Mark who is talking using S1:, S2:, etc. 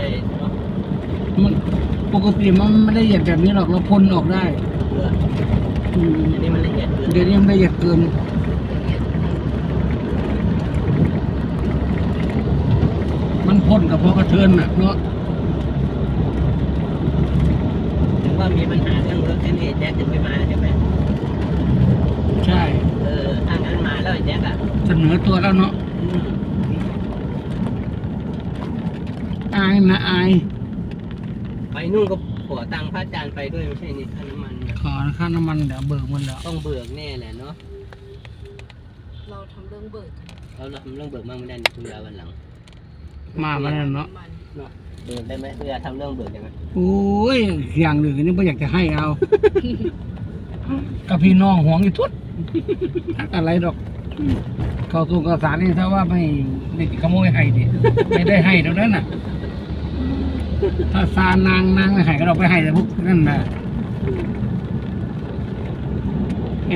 S1: มันปกติมันไม่ได้ละเอียดแบบนี้หรอกเราพ่นออกได้
S2: อันนี้มันละเอียดเกิน
S1: เดี๋ยวนี้มันละเอียดเกินมันพ่นกับพอกระเทือนน่ะเนาะ
S2: ถึงว่ามีปัญหาเรื่องรถที่นี่แจ๊คถึงไม่มาใช่ไหม
S1: ใช่
S2: ถ้างั้นมาแล้วแจ๊ค
S1: เสนอตัวแล้วเนาะอายนะอาย
S2: ไปนู่นก็ขอตังค์พระอาจารย์ไปด้วยไม่ใช่นี่ค่าน้ำมัน
S1: ขอค่าน้ำมันเดี๋ยวเบิกมันแล้ว
S2: ต้องเบิกแน่แหละเนาะ
S3: เราทำเรื่องเบิก
S2: เราทำเรื่องเบิกมั่งไม่ได้ในคุณยาวันหลัง
S1: มาแล้วเนาะ
S2: เบิกได้ไหมคุณยาทำเรื่องเบิกได้ไหม
S1: โอ้ยอย่างหนึ่งนี่ไม่อยากจะให้เอากับพี่น้องห่วงอยู่ทุดอะไรดอกเขาส่งกระสารนี่ถ้าว่าไม่ขโมยให้ดิไม่ได้ให้ตรงนั้นน่ะถ้าซานางไม่ให้ก็เราไปให้แต่พวกนั่นน่ะ